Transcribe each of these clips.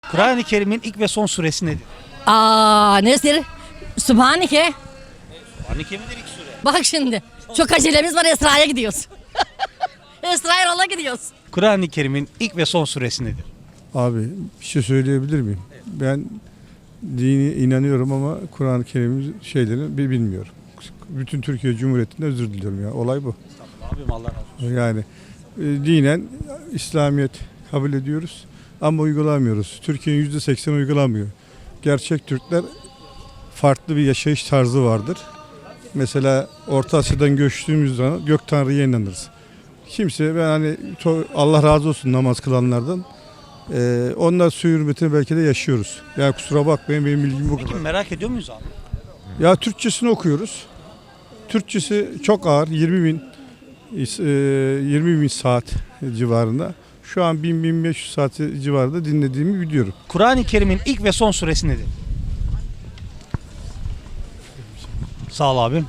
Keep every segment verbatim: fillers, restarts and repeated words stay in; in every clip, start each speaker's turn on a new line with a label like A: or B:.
A: Kur'an-ı Kerim'in ilk ve son suresi nedir?
B: Aa nedir? Sübhaneke.
A: Kur'an-ı Kerim'in ilk sure.
B: Bak şimdi. Çok acelemiz var, Esra'ya gidiyoruz. Esra'ya yola gidiyoruz.
A: Kur'an-ı Kerim'in ilk ve son suresi nedir?
C: Abi bir şey söyleyebilir miyim? Ben dini inanıyorum ama Kur'an-ı Kerim'in şeylerini bi- bilmiyorum. Bütün Türkiye Cumhuriyeti'nde özür diliyorum ya. Olay bu.
A: Abim Allah razı olsun.
C: Yani e, dinen İslamiyet kabul ediyoruz ama uygulamıyoruz. Türkiye'nin yüzde seksen uygulamıyor. Gerçek Türkler farklı bir yaşayış tarzı vardır. Mesela Orta Asya'dan göçtüğümüz zaman Gök Tanrı'ya inanırız. Kimse ben hani to- Allah razı olsun namaz kılanlardan. Ee, onlar su hürmetini belki de yaşıyoruz. Yani kusura bakmayın benim bilgim bu
A: Peki
C: kadar.
A: merak ediyor muyuz abi?
C: Ya Türkçesini okuyoruz. Türkçesi çok ağır. yirmi bin e, yirmi bin saat civarında. Şu an bin bin beş yüz saat civarında dinlediğimi biliyorum.
A: Kur'an-ı Kerim'in ilk ve son suresi nedir? Sağ ol abim.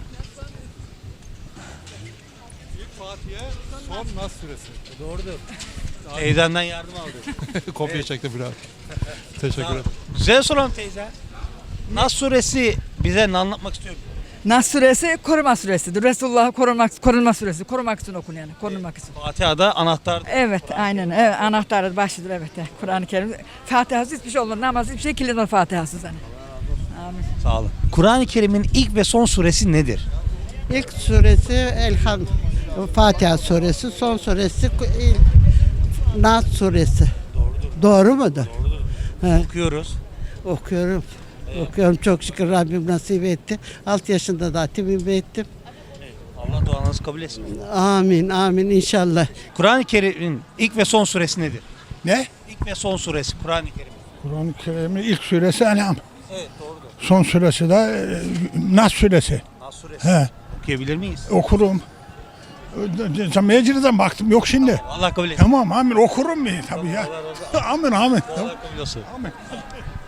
D: Son Nas suresi.
A: Doğrudur. Teyzenden yardım aldı.
D: Kopya çekti biraz. Teşekkür ederim.
A: Güzel soralım teyze. Nas suresi bize ne anlatmak istiyor?
E: Nas suresi koruma suresidir. Resulullah'ı korumak, korunma suresi. Korumak için okun yani. Korunmak için.
A: Fatiha'da anahtar.
E: Evet aynen. Evet, anahtarı başıdır evet. Kur'an-ı Kerim. Fatiha'sız hiçbir şey olur. Namaz hiçbir şey kilinir Fatiha'sız hani. Amin.
A: Sağ olun. Kur'an-ı Kerim'in ilk ve son suresi nedir?
F: İlk suresi Elham Fatiha suresi, son suresi İl- Nas suresi.
A: Doğrudur.
F: Doğru mudur? He,
A: Okuyoruz.
F: okuyorum. Okuyorum çok şükür Rabbim nasip etti. altı yaşında da hatibimi ettim.
A: Allah duanızı kabul etsin.
F: Amin amin inşallah.
A: Kur'an-ı Kerim'in ilk ve son suresi nedir?
G: Ne?
A: İlk ve son suresi Kur'an-ı Kerim.
G: Kur'an-ı Kerim'in ilk suresi En'am.
A: Evet doğrudur.
G: Son suresi de e, Nas suresi.
A: Nas suresi.
G: He,
A: Okuyabilir miyiz?
G: okurum. Mecliden baktım yok şimdi.
A: Allah kabul etsin.
G: Tamam amin okurum mu tabii ya. Amin amin.
A: Allah kabul olsun.
G: Amin.